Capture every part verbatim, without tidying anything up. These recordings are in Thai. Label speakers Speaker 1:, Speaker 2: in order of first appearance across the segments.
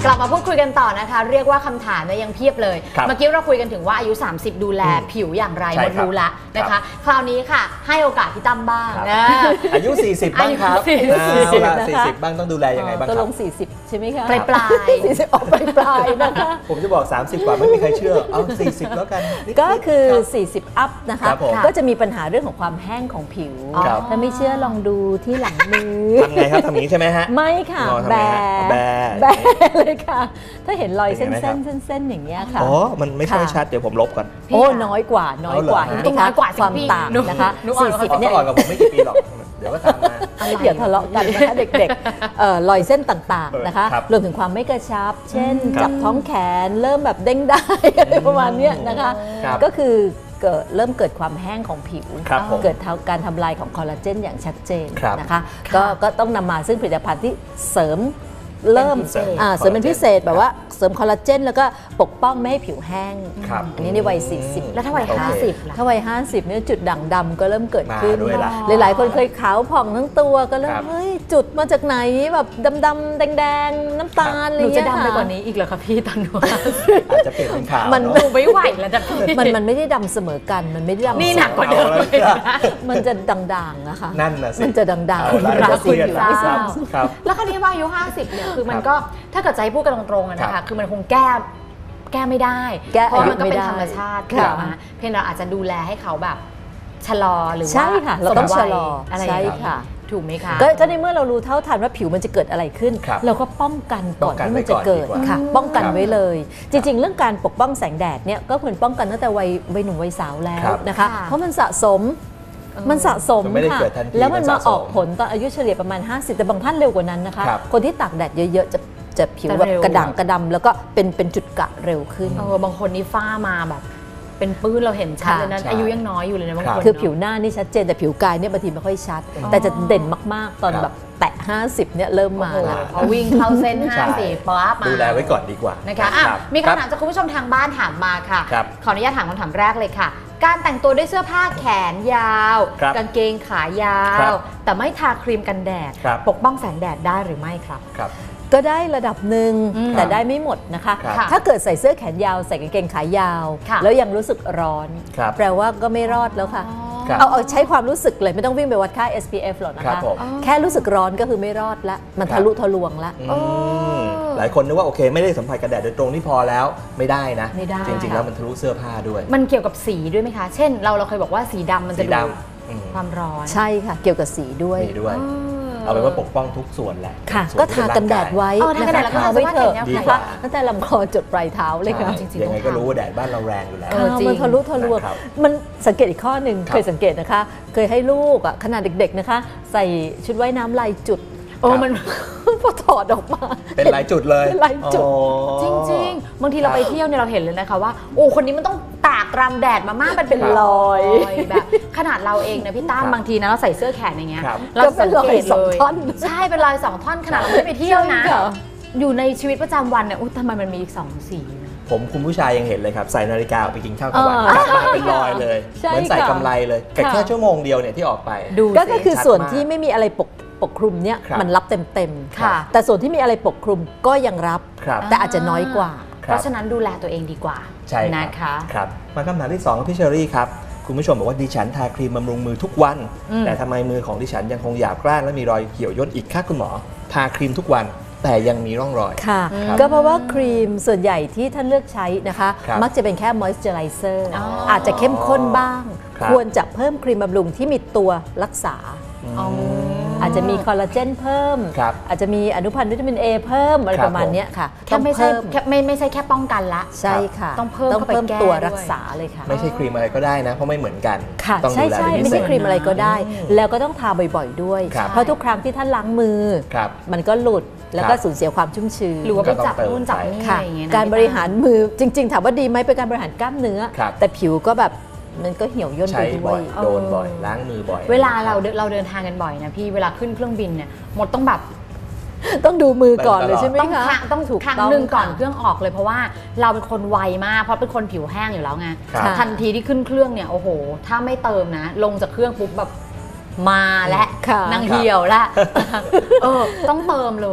Speaker 1: กลับมาพูดคุยกันต่อนะคะเรียกว่าคำถามเนี่ยยังเพียบเลยเมื่อกี้เราคุยกันถึงว่าอายุสามสิบดูแลผิวอย่างไรหมดรู้ละนะคะคราวนี้ค่ะให้โอกาสพี่ตั้มบ้างนะ
Speaker 2: อายุสี่สิบบ้างครับสี่สิบบ้างต้องดูแลยังไงบ้างครับ
Speaker 3: ก็ลงสี่สิบใช่ไหมคะ
Speaker 1: ปลายปลาย
Speaker 3: สี่สิบออกปลายปลายนะคะ
Speaker 2: ผมจะบอกสามสิบกว่าไม่มีใครเชื่อเอาสี่สิบแล้วกัน
Speaker 3: ก็คือสี่สิบอัพนะคะก็จะมีปัญหาเรื่องของความแห้งของผิวถ้าไม่เชื่อลองดูที่หลังมือ
Speaker 2: ทำไงครับทำนี้ใช่ไหมฮะ
Speaker 3: ไม่ค่ะแบแบแบเลยค่ะถ้าเห็นรอยเส้นเส้นเส้นอย่างเงี้ยค่ะ
Speaker 2: อ๋อมันไม่ค่อยชัดเดี๋ยวผมลบก่อน
Speaker 3: โอ้น้อยกว่าน้อยกว่า
Speaker 1: ต้องน้อยกว่า
Speaker 3: ความต่างนะคะสี่สิบเนี่ย
Speaker 2: อ่อนกับผมไม่กี่ปีหรอกเดี๋ยวก็ทำมา
Speaker 3: อย่าทะเลาะกันนะคะเด็กๆรอยเส้นต่างๆนะคะรวมถึงความไม่กระชับเช่นจับท้องแขนเริ่มแบบเด้งได้อะไรประมาณนี้นะคะก็คือเกิดเริ่มเกิดความแห้งของผิวเกิดการทำลายของคอลลาเจนอย่างชัดเจนนะคะก็ก็ต้องนำมาซึ่งผลิตภัณฑ์ที่เสริมเริ่มเสริมเป็นพิเศษแบบว่าเสริมคอลลาเจนแล้วก็ปกป้องไม่ให้ผิวแห้งอันนี้ในวัยสี่สิบ
Speaker 1: แล้วถ้าวัยห้าสิบล่ะ
Speaker 3: ถ้าวัยห้าสิบเนี่ยจุดด่างดำก็เริ่มเกิดขึ้นหลายๆคนเคยขาวผ่องทั้งตัวก็เริ่มเฮ้ยจุดมาจากไหนแบบดำๆแดงๆน้ำตาลอะไรอย่างเงี้ย
Speaker 1: จะดำไปกว่านี้อีกเหรอคะพี่ตอนนู้น
Speaker 2: อาจจะเปลี่ยนเป็นขาว
Speaker 1: มันดูไม่ไหวแล้วจะ
Speaker 3: มันมันไม่ได้ดำเสมอกันมันไม่ได้ดำ
Speaker 1: นี่หนักกว่าเดิม
Speaker 3: มันจะด่างๆนะคะ
Speaker 2: นั่นนะสิ
Speaker 3: มันจะด่างๆ
Speaker 1: รักคุณ
Speaker 3: อยู่ไม่ทราบ
Speaker 1: แล้วคราวนี้ว่าอายุห้าสิบเนี่ยคือมันก็ถ้าเกิดใจพูดกันตรงๆนะคะคือมันคงแก้แก้ไม่ได้เพราะมันก็เป็นธรรมชาติค่ะเพียงเราอาจจะดูแลให้เขาแบบชะลอหรือว่า
Speaker 3: ใช่ค่ะเราต้องชะลอ
Speaker 1: อะไร
Speaker 3: ใช่ค่ะ
Speaker 1: ถูกไหมคะ
Speaker 3: ก็ในเมื่อเรารู้เท่าทันว่าผิวมันจะเกิดอะไรขึ้นเราก็ป้องกันก่อนที่มันจะเกิดค่ะป้องกันไว้เลยจริงๆเรื่องการปกป้องแสงแดดเนี่ยก็ควรป้องกันตั้งแต่วัยวัยหนุ่มวัยสาวแล้วนะคะเพราะมันสะสมมันสะสมค่ะแล้วมันมาออกผลตอนอายุเฉลี่ยประมาณห้าสิบแต่บางท่านเร็วกว่านั้นนะคะคนที่ตากแดดเยอะๆจะจะผิวแบบกระด่างกระดำแล้วก็เป็นเป็นจุดกะเร็วขึ้น
Speaker 1: เออบางคนนี่ฝ้ามาแบบเป็นปื้นเราเห็นชัดเลยนั้นอายุยังน้อยอยู่เลยนะบางคน
Speaker 3: คือผิวหน้านี่ชัดเจนแต่ผิวกายเนี่ยบางทีไม่ค่อยชัดแต่จะเด่นมากๆตอนแบบแตะห้าสิบเนี่ยเริ่มมาแล้ว
Speaker 1: พอวิ่งเข้าเส้นห้าสิบป๊อปมา
Speaker 2: ดูแลไว้ก่อนดีกว่า
Speaker 1: นะคะมีคำถามจากคุณผู้ชมทางบ้านถามมาค่ะขออนุญาตถามคำถามแรกเลยค่ะการแต่งตัวด้วยเสื้อผ้าแขนยาวกางเกงขายาวแต่ไม่ทาครีมกันแดดปกป้องแสงแดดได้หรือไม่ครับ
Speaker 3: ก็ได้ระดับหนึ่งแต่ได้ไม่หมดนะคะถ้าเกิดใส่เสื้อแขนยาวใส่กางเกงขายาวแล้วยังรู้สึกร้อนแปลว่าก็ไม่รอดแล้วค่ะเอาเอาใช้ความรู้สึกเลยไม่ต้องวิ่งไปวัดค่า เอส พี เอฟ หรอกนะคะแค่รู้สึกร้อนก็คือไม่รอดละมันทะลุทะลวงละ
Speaker 2: หลายคนนึกว่าโอเคไม่ได้สัมผัสกันแดดโดยตรงนี่พอแล้วไม่ได้นะจริงๆแล้วมันทะลุเสื้อผ้าด้วย
Speaker 1: มันเกี่ยวกับสีด้วยไหมคะเช่นเราเราเคยบอกว่าสีดำมันจะดูความร้อน
Speaker 3: ใช่ค่ะเกี่ยวกับสีด้วย
Speaker 2: เอาเป็นว่าปกป้องทุกส่วนแหละ
Speaker 3: ค่ะก็ทากันแดดไว้นะคะทาไว้เถอะนะคะตั้งแต่ลำคอจดปลายเท้าเลยค่ะ
Speaker 2: จริงๆยังไงก็รู้ว่าแดดบ้านเราแรงอยู่แล้ว
Speaker 3: มันทะลุทะลวงมันสังเกตอีกข้อหนึ่งเคยสังเกตนะคะเคยให้ลูกอ่ะขนาดเด็กๆนะคะใส่ชุดว่ายน้ำลายจุด
Speaker 1: โอ้มัน
Speaker 3: พอถอดออกมา
Speaker 2: เป็นลายจุดเลย
Speaker 3: เป็นลายจุด
Speaker 1: จริงๆบางทีเราไปเที่ยวเนี่ยเราเห็นเลยนะคะว่าโอ้คนนี้มันต้องตากรำแดดมามากมันเป็นรอยแบบขนาดเราเองนะพี่ตั้มบางทีนะเราใส่เสื้อแขนอย่างเงี้ยเราสังเกตเลยใช่เป็นรอยสองท่อนขนาดเราไม่ไปเที่ยวนะอยู่ในชีวิตประจำวันเนี่ยอุ้ยทำไมมันมีอีกสองสี
Speaker 2: ผมคุณผู้ชายยังเห็นเลยครับใส่นาฬิกาไปกินข้าวกลางวันกลับมาเป็นรอยเลยเหมือนใส่กำไรเลยแต่แค่ชั่วโมงเดียวเนี่ยที่ออกไป
Speaker 3: ก็คือส่วนที่ไม่มีอะไรปกปกคลุมเนี่ยมันรับเต็มๆแต่ส่วนที่มีอะไรปกคลุมก็ยังรับแต่อาจจะน้อยกว่า
Speaker 1: เพราะฉะนั้นดูแลตัวเองดีกว่า
Speaker 2: ใช่
Speaker 1: นะคะ
Speaker 2: ครับมาคำถามที่สองพี่เชอรี่ครับคุณผู้ชมบอกว่าดิฉันทาครีมบำรุงมือทุกวันแต่ทำไมมือของดิฉันยังคงหยาบกร้านและมีรอยเหี่ยวย่นอีกค่ะคุณหมอทาครีมทุกวันแต่ยังมีร่องรอย
Speaker 3: ค่ะก็เพราะว่าครีมส่วนใหญ่ที่ท่านเลือกใช้นะคะมักจะเป็นแค่มอยส์เจอไรเซอร์อาจจะเข้มข้นบ้างควรจะเพิ่มครีมบำรุงที่มีตัวรักษาอาจจะมีคอลลาเจนเพิ่มอาจจะมีอนุพันธ์วิตามิน เอ เพิ่มอะไรประมาณนี้ค่ะ
Speaker 1: แค่ไม่ใช่ไม่ไม่ใช่แค่ป้องกันละ
Speaker 3: ใช่ค่ะ
Speaker 1: ต้องเพิ่ม
Speaker 3: ต้องเพิ่มตัวรักษาเลยค่ะ
Speaker 2: ไม่ใช่ครีมอะไรก็ได้นะเพราะไม่เหมือนกัน
Speaker 3: ค่ะใช่ใช่ไม่ใช่ครีมอะไรก็ได้แล้วก็ต้องทาบ่อยๆด้วยเพราะทุกครั้งที่ท่านล้างมือมันก็หลุดแล้วก็สูญเสียความชุ่มชื้น
Speaker 1: หรือว่าไปจับนู่นจับนี่อะไรอย่างเงี้ย
Speaker 3: การบริหารมือจริงๆถามว่าดีไหมเป็นการบริหารกล้ามเนื้อแต่ผิวก็แบบมันก็เหี่ยวย่นไปด้วย
Speaker 2: โดนบ่อยล้างมือบ่อย
Speaker 1: เวลาเราเราเดินทางกันบ่อยนะพี่เวลาขึ้นเครื่องบินเนี่ยหมดต้องแบบ
Speaker 3: ต้องดูมือก่อนเลยใช่ไหม
Speaker 1: คะต้องถูกครั้งหนึ่งก่อนเครื่องออกเลยเพราะว่าเราเป็นคนไวมากเพราะเป็นคนผิวแห้งอยู่แล้วไงทันทีที่ขึ้นเครื่องเนี่ยโอ้โหถ้าไม่เติมนะลงจากเครื่องปุ๊บแบบมาและนางเหี่ยวละเออต้องเติมเลย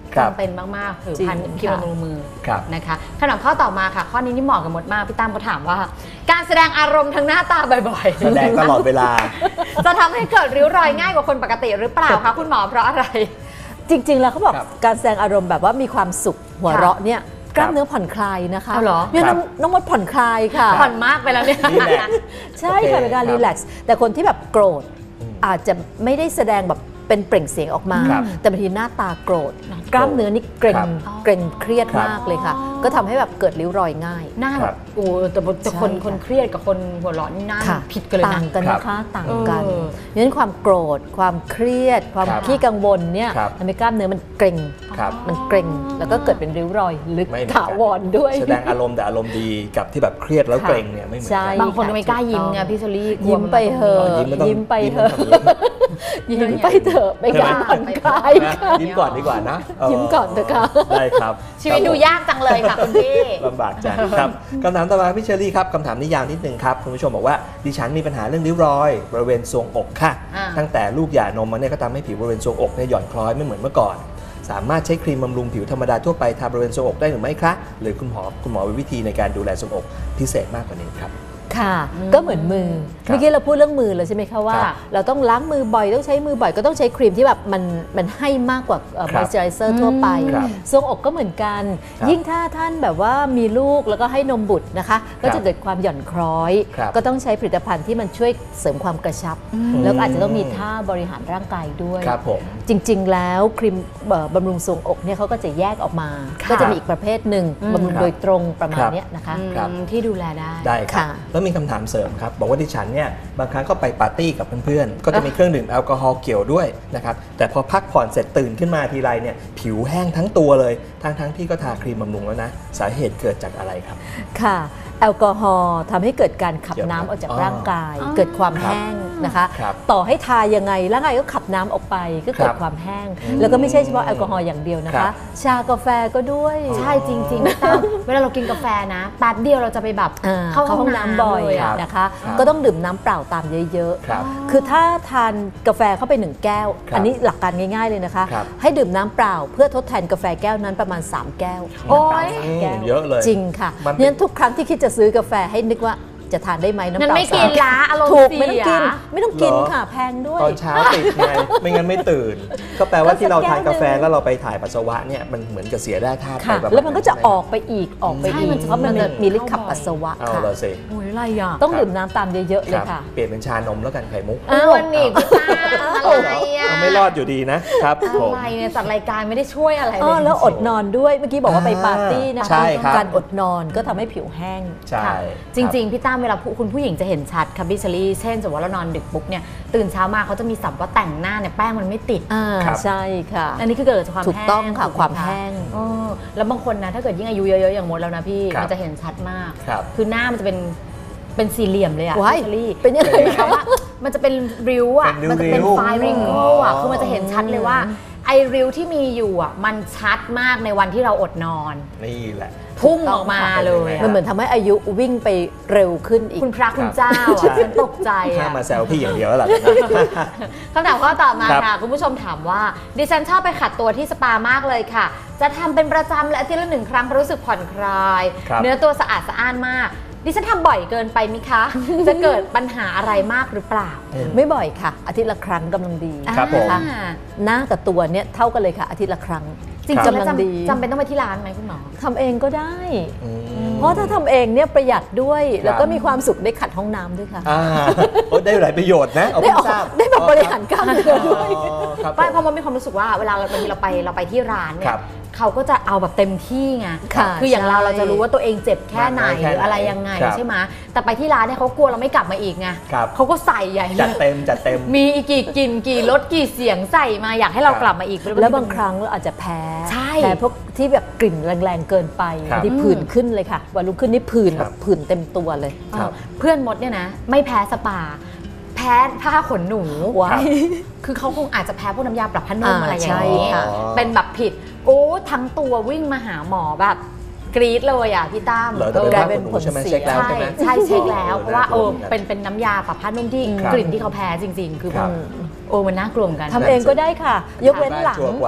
Speaker 2: ครับ
Speaker 1: จำเป็นมากๆผิวพรรณ
Speaker 3: จริง
Speaker 1: ครีม
Speaker 3: ค่ะ
Speaker 1: บำรุงมือ
Speaker 2: ครับ
Speaker 1: นะคะคำถามข้อต่อมาค่ะ ข้อนี้นี่เหมาะกับมดมากพี่ตั้มเขาถามว่า การแสดงอารมณ์ทางหน้าตาบ่อยๆ
Speaker 2: แสดงตลอดเวลา
Speaker 1: จะทำให้เกิดริ้วรอยง่ายกว่าคนปกติหรือเปล่าคะคุณหมอเพราะอะไร
Speaker 3: จริงๆแล้วเขาบอก
Speaker 2: ครับ
Speaker 3: การแสดงอารมณ์แบบว่ามีความสุขหัวเราะเนี่ยกล้ามเนื้อผ่อนคลายนะคะ
Speaker 1: เอาเหรอ
Speaker 3: เนี่ย
Speaker 2: ครั
Speaker 3: น้
Speaker 2: บ
Speaker 3: องน้องมดผ่อนคลายค่ะ
Speaker 1: ผ่อนมากไปแล้วเนี่ย
Speaker 2: รีแลกซ์
Speaker 3: ใช่
Speaker 2: โอเค
Speaker 3: ค่ะเป็นการ
Speaker 2: ครับ
Speaker 3: รีแลกซ์แต่คนที่แบบโกรธ
Speaker 2: อืม
Speaker 3: อาจจะไม่ได้แสดงแบบเป็นเปล่งเสียงออกมา
Speaker 2: ครับ
Speaker 3: แต่บางทีหน้าตาโกรธ กล้ามเนื้อนี่เกร็ง
Speaker 2: ครับ
Speaker 3: เกร็งเครียด
Speaker 2: ครับ
Speaker 3: มากเลยค่ะ ก็ทำให้แบบเกิดริ้วรอยง่าย
Speaker 1: หน้า
Speaker 2: ค
Speaker 1: แบ
Speaker 2: รั
Speaker 1: บบ โอ้แต่แต่คน
Speaker 3: ใช่ค่ะ
Speaker 1: คนเครียดกับคนหัวเร้อนนี่หน้า
Speaker 3: ค่ะ
Speaker 1: ผิดกันเลย
Speaker 3: ต่า
Speaker 1: นะ
Speaker 3: งกันนะคะต่างกัน
Speaker 1: เออ
Speaker 3: งั้นความโกรธ ความเครียด ความ
Speaker 2: ครับ
Speaker 3: ขี้กังวลเนี่ย
Speaker 2: ครับ
Speaker 3: ทำให้กล้ามเนื้อมันเกร็ง
Speaker 2: ครับ
Speaker 3: มันเกร็งแล้วก็เกิดเป็นริ้วรอยลึก
Speaker 2: ไม่เหมือนกัน
Speaker 3: ถาวรด้วย
Speaker 2: แสดงอารมณ์แต่อารมณ์ดีกับที่แบบเครียดแล้วเกรงเนี่ยไม่เหมือน
Speaker 3: ใช่
Speaker 2: กัน
Speaker 1: บางคนก็ไม่กล้ายิ้มไงพี่เชอรี่กลัว
Speaker 3: ยิ้มไปเถอะ
Speaker 2: ยิ้มไม่ต้อง
Speaker 3: ยิ้มไป
Speaker 2: ยิ้ม
Speaker 3: เถอะ
Speaker 2: ต้องทำอย่างนี้
Speaker 3: ยิ้มไปเถอะเป็นการผ่อนคลาย
Speaker 2: นะ
Speaker 3: ค่ะ
Speaker 2: ยิ้มก่อนดีกว่านะเ
Speaker 3: ยิ้มก่อนเถอะค่ะ
Speaker 2: ได้ครับ
Speaker 1: ชีวิตดูยากจังเลยค่ะคุณพี่
Speaker 2: ลำบากจังครับคำถามต่อมาพี่เชอรี่ครับคำถามนี้ยาวนิดนึงครับคุณผู้ชมบอกว่าดิฉันมีปัญหาเรื่องริ้วรอยบริเวณทรวงอกค่ะ
Speaker 1: อ่า
Speaker 2: ตั้งแต่ลูกหย่านมมาเนี่ยก็ทำให้ผิวบริเวณทรวงอกเนี่ยหย่อนคล้อยไม่เหมือนเมื่อก่อน สามารถใช้ครีมบำรุงผิวธรรมดาทั่วไปทาบริเวณทรวงอกได้หรือไม่คะหรือคุณหมอคุณหมอมีวิธีในการดูแลทรวงอกพิเศษมากกว่านี้ครับ
Speaker 3: ค่ะ ก็เหมือนมือ
Speaker 2: ครับ
Speaker 3: เมื่อกี้เราพูดเรื่องมือแล้วใช่ไหมคะว่า
Speaker 2: ครับ
Speaker 3: เราต้องล้างมือบ่อยต้องใช้มือบ่อยก็ต้องใช้ครีมที่แบบมันมันให้มากกว่า
Speaker 2: ครั
Speaker 3: ม
Speaker 2: บ
Speaker 3: อยส์เจอไรเซอร์ทั่วไป
Speaker 2: ครับ
Speaker 3: ทรวงอกก็เหมือนกัน
Speaker 2: ครับ
Speaker 3: ยิ่งถ้าท่านแบบว่ามีลูกแล้วก็ให้นมบุตรนะคะ ก็จะเกิดความหย่อนคล้อย
Speaker 2: ครับ
Speaker 3: ก็ต้องใช้ผลิตภัณฑ์ที่มันช่วยเสริมความกระชับ แล้วก็อาจจะต้องมีท่าบริหารร่างกายด้วย
Speaker 2: ครับผม
Speaker 3: จริง ๆ แล้วครีมเอ่อบำรุงทรวงอกเนี่ยเขาก็จะแยกออกมา
Speaker 1: ค่ะ
Speaker 3: ก็จะมีอีกประเภทหนึ่ง
Speaker 1: อืม
Speaker 3: บำรุง
Speaker 2: ครับ
Speaker 3: โดยตรงประมาณ
Speaker 2: ครับ
Speaker 3: เนี้ยนะคะ
Speaker 2: ครับ
Speaker 1: อืมที่ดูแลได้
Speaker 2: ได้ครับ
Speaker 3: ค่ะ
Speaker 2: แล้วมีคำถามเสริมครับบอกว่าดิฉันเนี่ยบางครั้งก็ไปปาร์ตี้กับเพื่อนๆก็จะมีเครื่องดื่มแอลกอฮอล์เกี่ยวด้วยนะครับแต่พอพักผ่อนเสร็จตื่นขึ้นมาทีไรเนี่ยผิวแห้งทั้งตัวเลยทั้งๆที่ก็ทาครีมบำรุงแล้วนะสาเหตุเกิดจากอะไรครับ
Speaker 3: ค่ะแอลกอฮอล์ทำให้เกิดการขับ
Speaker 2: เกี่ยวไหม
Speaker 3: น้ำออกจาก
Speaker 2: อ๋อ
Speaker 3: ร่างกาย
Speaker 1: อ๋อ
Speaker 3: เกิดความ
Speaker 2: ครับ
Speaker 3: แห้งนะคะ
Speaker 2: ครับ
Speaker 3: ต่อให้ทายังไงร่างกายก็ขับน้ำออกไปก็เกิ
Speaker 2: ครั
Speaker 3: ด
Speaker 2: บ
Speaker 3: ความแห้ง
Speaker 2: อืม
Speaker 3: แล้วก็ไม่ใช่เฉพาะแอลกอฮอล์อย่างเดียวนะ
Speaker 2: ครั
Speaker 3: คะ
Speaker 2: บ
Speaker 3: ชากาแฟก็ด้วย
Speaker 1: ใช่จริงๆพี่ตั้มเวลาเรากินกาแฟนะแป๊บเดียวเราจะไปแบบ
Speaker 3: อ่า
Speaker 1: เข้า
Speaker 3: เข้า
Speaker 1: ห้
Speaker 3: ห้
Speaker 1: อ
Speaker 3: อง ง
Speaker 1: น้ำ
Speaker 3: น้ำบ่อย
Speaker 1: เลยอะ
Speaker 3: นะคะ
Speaker 2: ครับ
Speaker 3: ก็ต้องดื่มน้ำเปล่าตามเยอะ
Speaker 2: ครับ
Speaker 3: ๆ คือถ้าทานกาแฟเข้าไปหนึ่งแก้ว
Speaker 2: ครับ
Speaker 3: อันนี้หลักการง่ายๆเลยนะคะ
Speaker 2: ครับ
Speaker 3: ให้ดื่มน้ำเปล่าเพื่อทดแทนกาแฟแก้วนั้นประมาณสามแก้ว
Speaker 1: โอ๊ย
Speaker 3: น้ำเปล่าสามแก้ว
Speaker 2: เยอะเลย
Speaker 3: จริงค่ะ
Speaker 2: มันเป็น
Speaker 3: เนี่ยทุกครั้งที่คิดจะซื้อกาแฟให้นึกว่าจะทานได้ไหมน้ำเป
Speaker 1: งั้น
Speaker 3: ล่า
Speaker 1: ไม่
Speaker 3: สา
Speaker 1: กินละอารมณ์
Speaker 3: ถูก
Speaker 1: เสีย
Speaker 3: ไม่ต้องกิน ไม่ต้องกิน
Speaker 2: เหรอ
Speaker 3: ค่ะแพงด้วย
Speaker 2: ตอนเช้าติดไง ไม่งั้นไม่ตื่น ก็แปลว่าที่เราทานกาแฟแล้วเราไปถ่ายปัสสาวะเนี่ยมันเหมือนกับเสียได้ธาตุไป
Speaker 3: ค่ะ
Speaker 2: ประาณ
Speaker 3: แล้วมันก็จะ
Speaker 2: ใช่ไห
Speaker 3: ออกไปอีกออกไป
Speaker 1: ใช่
Speaker 3: อีก
Speaker 1: มันจะ
Speaker 3: เพราะมัน
Speaker 1: มันจะ
Speaker 3: มีฤทธิ์ขับปัสสาวะ
Speaker 2: เอา
Speaker 3: ค่ะ
Speaker 2: เราสิ
Speaker 1: โอ้ยอะไรอ่ะ
Speaker 3: ต้องดื่มน้ำตามเยอะๆเล
Speaker 2: ค
Speaker 3: ย
Speaker 2: รับ
Speaker 3: ค่ะ
Speaker 2: เปลี่ยนเป็นชานมแล้วกันไข่มุก
Speaker 1: อ้วนนี่พี่ตั้มอะไรอ่ะ
Speaker 2: เอาไม่รอดอยู่ดีนะครับผม
Speaker 1: อะไรเนี่ยจัดรายการไม่ได้ช่วยอะไร
Speaker 3: อ๋
Speaker 1: เล
Speaker 3: อย แล้วอดนอนด้วยเมื่อกี้บอกว่าไปปาร์ตี้นะ
Speaker 2: ใช่
Speaker 3: คะ
Speaker 2: ครับ
Speaker 3: การอดนอนก็ทำให้ผิวแห้ง
Speaker 2: ใช่
Speaker 1: ค่ะจริงๆพี่ตั้มเวลาผู้คุณผู้หญิงจะเห็นชัดค่ะพี่เชอรี่เช่นสมมติว่าเรานอนดึกปุ๊บเนี่ยตื่นเช้ามาเขาจะมีสับว่าแต่งหน้าเนี่ยแป้งมันไม่ติด
Speaker 3: อ่า
Speaker 2: ครับ
Speaker 3: ใช่ค่ะ
Speaker 1: อันนี้คือเกิดจากความ
Speaker 3: ถูก
Speaker 1: แห้ง
Speaker 3: ต้องค่ะ
Speaker 1: ถูกไห
Speaker 3: ความแห้ง
Speaker 1: เออแล้วบางคนนะถ้าเกิดยิ่งอายุเยอะๆอย่างมดแล้วนะพี่
Speaker 2: ครับ
Speaker 1: มันจะเห็นชัดมาก
Speaker 2: ครับ
Speaker 1: คือหน้ามันจะเป็นเป็นสี่เหลี่ยมเลยอะ
Speaker 3: ว้าย
Speaker 1: พี่เชอรี่
Speaker 3: เป็นยังไง
Speaker 1: คือหมายความว่ามันจะเป็นริ้วอะ
Speaker 2: เป็นริ้วๆ
Speaker 1: มัจะเป็นไฟริงโก้อะ
Speaker 2: อ๋อ
Speaker 1: คือมันจะเห็นชัดเลยว่าไอริ้วที่มีอยู่อะมันชัดมากในวันที่เราอดนอน
Speaker 2: นี่แหละ
Speaker 1: พุ่งออกมาเลยอะ
Speaker 3: มันเหมือนทำให้อายุวิ่งไปเร็วขึ้นอีก
Speaker 1: คุณพระคุณเจ้า
Speaker 2: ใช่
Speaker 1: อะฉันตกใจ
Speaker 2: ถ้า
Speaker 1: อะ
Speaker 2: มาแซวพี่อย่างเดียวแล้วล่ะ
Speaker 1: คำถามข้อต่อมา
Speaker 2: ครับ
Speaker 1: ค่ะ คุณผู้ชมถามว่า ดิฉันชอบไปขัดตัวที่สปามากเลยค่ะ จะทำเป็นประจำและอาทิตย์ละหนึ่งครั้งเพราะรู้สึกผ่อนคลาย
Speaker 2: ครับ
Speaker 1: เนื้อตัวสะอาดสะอ้านมาก ดิฉันทำบ่อยเกินไปมิคะ จะเกิดปัญหาอะไรมากหรือเปล่า
Speaker 3: ไม่บ่อยค่ะ อาทิตย์ละครั้งกำลังดี
Speaker 2: ครับผม
Speaker 3: นะคะ หน้ากับตัวเนี่ยเท่ากันเลยค่ะ อาทิตย์ละครั้ง
Speaker 1: จริงๆ
Speaker 3: กำ
Speaker 1: แล้ว
Speaker 3: ลังดี
Speaker 1: จำจำเป็นต้องไปที่ร้านไหมคุณหมอ
Speaker 3: ทำเองก็ได้
Speaker 2: อืม
Speaker 3: เพราะถ้าทำเองเนี่ยประหยัดด้วย
Speaker 2: ครับ
Speaker 3: แล้วก็มีความสุขได้ขัดห้องน้ำด้วยค่ะ
Speaker 2: อ่าโอ้ได้หลายประโยชน์นะเอา
Speaker 3: ได้
Speaker 2: เพิ่
Speaker 3: อง อก
Speaker 2: ทราบ
Speaker 3: ได้แบบบริหารกล้ามเนื้อด้วย
Speaker 2: อ๋อครับ
Speaker 1: ไม่เพ
Speaker 2: ผม
Speaker 1: ราะมันมีความรู้สึกว่าเวลาเราบางทีเราไปเราไปที่ร้านเนี่
Speaker 2: ครั
Speaker 1: ย
Speaker 2: บ
Speaker 1: เขาก็จะเอาแบบเต็มที่ไง
Speaker 3: ค่ะ
Speaker 1: คืออย่างเรา
Speaker 3: ใช่
Speaker 1: เราจะรู้ว่าตัวเองเจ็บแค่ไหน
Speaker 2: มากน้อยแค่
Speaker 1: หรืออะไร
Speaker 2: ไหน
Speaker 1: ยังไง
Speaker 2: ครับ
Speaker 1: ใช่ไหมแต่ไปที่ร้านเนี่ยเขากลัวเราไม่กลับมาอีกไง
Speaker 2: ครับ
Speaker 1: เขาก็ใส่ใหญ่เล
Speaker 2: จัด
Speaker 1: ย
Speaker 2: เต็มจัดเต็ม
Speaker 1: มีอีกกี่กลิ่นกี่รสกี่เสียงใส่มาอยากให้เรา
Speaker 2: ครับ
Speaker 1: กลับมาอีก
Speaker 3: แล้วบางครั้งเราอาจจะแพ้
Speaker 1: ใช่
Speaker 3: แพ้พวกที่แบบกลิ่นแรงๆเกินไป
Speaker 2: ครับ
Speaker 3: ที่ผื่นขึ้นเลยค่ะ วันรุ่งขึ้นนี่ผื่น
Speaker 2: ค
Speaker 3: แบ
Speaker 2: รับบ
Speaker 3: ผื่นเต็มตัวเลย
Speaker 2: ครับ
Speaker 1: เพื่อนมดเนี่ยนะ ไม่แพ้สปา แพ้ผ้าขนหนู
Speaker 3: ว้าย
Speaker 1: คือเขาคงอาจจะแพ้พวกน้ำยาปรับผ้านุ่ม
Speaker 3: อ่า
Speaker 1: อะไรอย่างนี้
Speaker 3: ใช่ค่ะ
Speaker 1: เป็นแบบผิดโอ้ทั้งตัววิ่งมาหาหมอแบบกรี๊ดเลยอ่ะพี่ตั้ม
Speaker 2: เหรอแต่เป็น
Speaker 3: ก
Speaker 2: ผ้า
Speaker 3: ลาย
Speaker 2: ข
Speaker 3: เป็น
Speaker 2: นหนู
Speaker 3: ผล
Speaker 2: ใช่ไหม
Speaker 3: เสีย
Speaker 2: เช็คแล้ว
Speaker 1: ใช่
Speaker 2: ใช่ไหม
Speaker 1: ใช่เช็คแล้ว
Speaker 2: อ๋อ
Speaker 1: เพราะว่าเออ
Speaker 2: น่ากลัวเหมือนกัน
Speaker 1: เป็นเป็นน้ำยาปรับผ้านุ่มที่
Speaker 2: ครับ
Speaker 1: กลิ่นที่เขาแพ้จริง ๆ คือ
Speaker 2: ครับ
Speaker 1: โอ้มันน่ากลัวเหมือนกัน
Speaker 3: ทำเองก็ได้ค่ะ ยกเว้นหลัง
Speaker 2: ชัวร์กว่า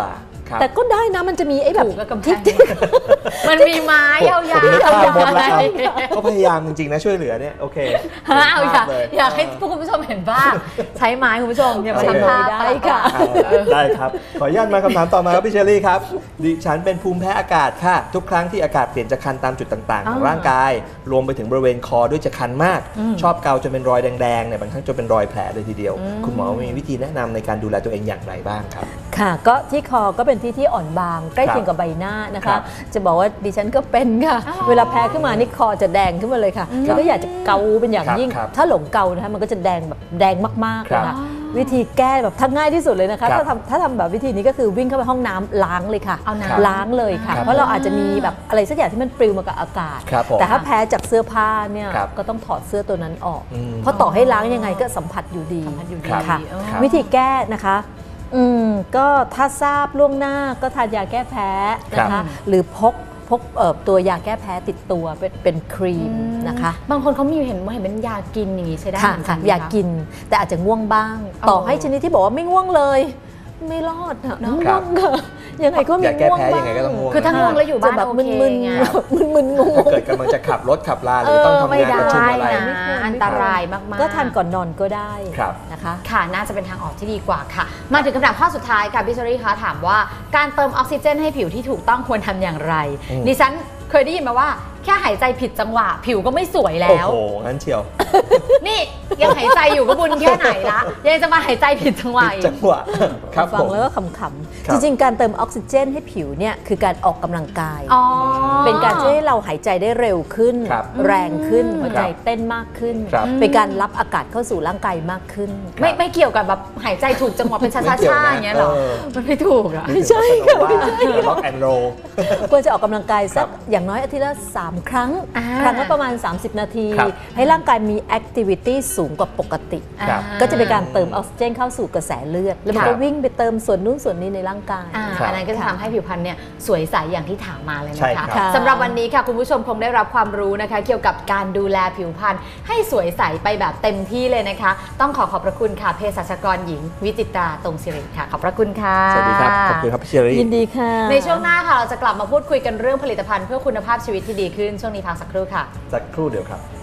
Speaker 3: แต่ก็ได้นะมันจะมีไอ้แบบ
Speaker 1: ถูกกับกำแพ
Speaker 3: ที่
Speaker 1: งมันมีไม้ยาวๆ
Speaker 2: เดี๋ยวข้ามหมดแล้วก็พยายามจริงๆนะช่วยเหลือเนี่ยโอเค
Speaker 1: ฮะเอาอยาก
Speaker 2: เลย
Speaker 1: อยากให้คุณผู้ชมเห็นบ้างใช้ไม้คุณผู้ชมอย่ามาทำท่า
Speaker 3: ได้ค่ะ
Speaker 2: ได้ครับ ขออนุญาตมาคำถามต่อมาครับพี่เชอรี่ครับดิฉันเป็นภูมิแพ้อากาศค่ะ ทุกครั้งที่อากาศเปลี่ยนจะคันตามจุดต่างๆ ของร่างกาย รวมไปถึงบริเวณคอด้วยจะคันมาก ชอบเกาจนเป็นรอยแดงๆเนี่ยบางครั้งจนเป็นรอยแผลเลยทีเดียว คุณหมอมีวิธีแนะนำในการดูแลตัวเองอย่างไรบ้างครับ
Speaker 3: ค่ะก็ที่คอก็เป็นที่ที่อ่อนบางใกล้เคียงกับใบหน้านะ
Speaker 2: ครั
Speaker 3: คะ
Speaker 2: บ
Speaker 3: จะบอกว่าดิฉันก็เป็นค่ะ เวลาแพ้ขึ้นมานี่คอจะแดงขึ้นมาเลยค่ะแล้วก็อยากจะเกาเป็นอย่างยิ่ง
Speaker 2: ครับ
Speaker 3: ถ้าหลงเกานะคะมันก็จะแดงแบบแดงมากๆ
Speaker 2: ครั
Speaker 3: นะ
Speaker 2: บ
Speaker 3: คะวิธีแก้แบบทั้งง่ายที่สุดเลยนะคะ
Speaker 2: ครับ
Speaker 3: ถ้าทำถ้าทำแบบวิธีนี้ก็คือวิ่งเข้าไปห้องน้ำล้างเลยค่ะ
Speaker 1: เอาน้ำ
Speaker 3: ล้างเลยค่ะ
Speaker 2: ครับ
Speaker 3: เพราะเราอาจจะมีแบบอะไรสักอย่างที่มันปลิวมากับอากาศ
Speaker 2: ครับผม
Speaker 3: แต่ถ้าแพ้จากเสื้อผ้าเนี่ย
Speaker 2: ครับ
Speaker 3: ก็ต้องถอดเสื้อตัวนั้นออก
Speaker 2: อืม
Speaker 3: เพราะต่อให้ล้างยังไงก็สัมผัสอยู่ดี
Speaker 1: สัมผัสอยู่ดี
Speaker 3: ค่ะ
Speaker 1: เออ
Speaker 2: ครับ
Speaker 3: วิธีแก้นะคะอืมก็ถ้าทราบล่วงหน้าก็ทานยาแก้แพ้นะ
Speaker 2: ครั
Speaker 3: คะ
Speaker 2: บ
Speaker 3: หรือพกพกเอ่อตัวยาแก้แพ้ติดตัวเป็นเป็นครีมนะคะ
Speaker 1: บางคนเขามีเห็นว่าเห็นเป็นยากินอย่างนี้ใช้ได้
Speaker 3: ค่ะ
Speaker 1: เหมือนกั
Speaker 3: ค่ะ
Speaker 1: นไหม
Speaker 3: อยากกินแต่อาจจะง่วงบ้าง
Speaker 1: อ๋อ
Speaker 3: ต่อให้ชนิดที่บอกว่าไม่ง่วงเลย ไม่รอดอะ
Speaker 1: เนอะ
Speaker 3: ง่วงค่ะยังไงก็มี
Speaker 2: อยากแก้
Speaker 3: ง่วง
Speaker 2: แพ้
Speaker 3: บ้าง
Speaker 2: ยังไงก็ต้องง่วง
Speaker 1: คือถ้าง่วงแล้วอยู่บ้าน
Speaker 3: จะแบบ
Speaker 1: โอ
Speaker 3: มึ
Speaker 1: เคน
Speaker 3: ๆ
Speaker 1: ไง
Speaker 3: มึนๆงง
Speaker 2: ถ้าเกิดกำลังจะขับรถขับลาหรือต้องทำ
Speaker 1: ไม่
Speaker 2: งาน
Speaker 1: ได้
Speaker 2: ประชุมอะไร
Speaker 1: นะอันตรายมากๆ
Speaker 3: ก็ทานก่อนนอนก็ได้
Speaker 2: ครับ
Speaker 3: นะคะ
Speaker 1: ค่ะน่าจะเป็นทางออกที่ดีกว่าค่ะ มาถึงคำถามข้อสุดท้ายค่ะพี่เชอรี่คะถามว่าการเติมออกซิเจนให้ผิวที่ถูกต้องควรทำอย่างไร
Speaker 2: อืม
Speaker 1: ดิฉันเคยได้ยินมาว่าแค่หายใจผิดจังหวะ ผิวก็ไม่สวยแล้
Speaker 2: โอ้
Speaker 1: ว
Speaker 2: โหงั้นเชียว
Speaker 1: นี่ยังหายใจอยู่ก็บุญแค่ไหนละยังจะมาหายใจผิดจังหวะอีก
Speaker 2: จังหวะครับ
Speaker 3: ฟั
Speaker 2: ผ
Speaker 3: ง
Speaker 2: ม
Speaker 3: แล้วก็ขำ
Speaker 2: ครั
Speaker 3: ๆ
Speaker 2: บ
Speaker 3: จริงๆ การเติมออกซิเจนให้ผิวเนี่ยคือการออกกำลังกาย
Speaker 1: อ๋อ
Speaker 3: เป็นการช่วยให้เราหายใจได้เร็วขึ้น
Speaker 2: ครับ
Speaker 3: แรงขึ้น
Speaker 1: อืม
Speaker 3: หัวใจเต้นมากขึ้น
Speaker 2: ครับ
Speaker 3: เป็นการรับอากาศเข้าสู่ร่างกายมากขึ้น
Speaker 1: ไม่ไม่เกี่ยวกับแบบหายใจถูกจังหวะเป็นช้า
Speaker 2: ไม่เกี่ยว
Speaker 1: ๆ
Speaker 2: นะ
Speaker 1: อย่างเงี้ยหรอ
Speaker 2: เออ
Speaker 1: มันไม่ถูกอะ
Speaker 3: ไม่ใช่ค่ะไม่ใช่
Speaker 2: ล็อกแอนโร
Speaker 3: ควรจะออกกำลังกายสัก
Speaker 2: ครับ
Speaker 3: อย่างน้อยอาทิตย์ละสามครั้ง
Speaker 1: อ่า
Speaker 3: ครั้งละประมาณ สามสิบ นาที
Speaker 2: ครับ
Speaker 3: ให้ร่างกายมีแอคทิวิตี้สูงกว่าปกติ
Speaker 2: ครับ
Speaker 3: ก็จะเป็นการเติมออกซิเจนเข้าสู่กระแสเลือด แล้วมัน
Speaker 2: ครั
Speaker 3: ก็
Speaker 2: บ
Speaker 3: วิ่งไปเติมส่วนนู้นส่วนนี้ในร่างกาย
Speaker 1: อ่า
Speaker 2: ครับ
Speaker 1: อันนั้นก็จะทำให้ผิวพรรณเนี่ยสวยใสอย่างที่ถามมาเลย
Speaker 2: ใช่
Speaker 1: นะ
Speaker 2: ครั
Speaker 1: คะ
Speaker 2: บ
Speaker 1: สำหรับวันนี้ค่ะคุณผู้ชมคงได้รับความรู้นะคะ เกี่ยวกับการดูแลผิวพรรณให้สวยใสไปแบบเต็มที่เลยนะคะ ต้องขอขอบพระคุณค่ะเภสัชกรหญิง วิจิตราตรงศิริค่ะขอบพระคุณค่ะ
Speaker 2: สวัสดีครับ ขอบคุณครับพี่เชอรี่
Speaker 3: ยินดีค่ะ
Speaker 1: ในช่วงหน้าค่ะเราจะกลับมาพูดคุยกันเรื่องผลิตภัณฑ์เพื่อคุณภาพชีวิตที่ดีขึ้นช่วงนี้พักสักครู่ค่ะ
Speaker 2: สักครู่เดียวครับ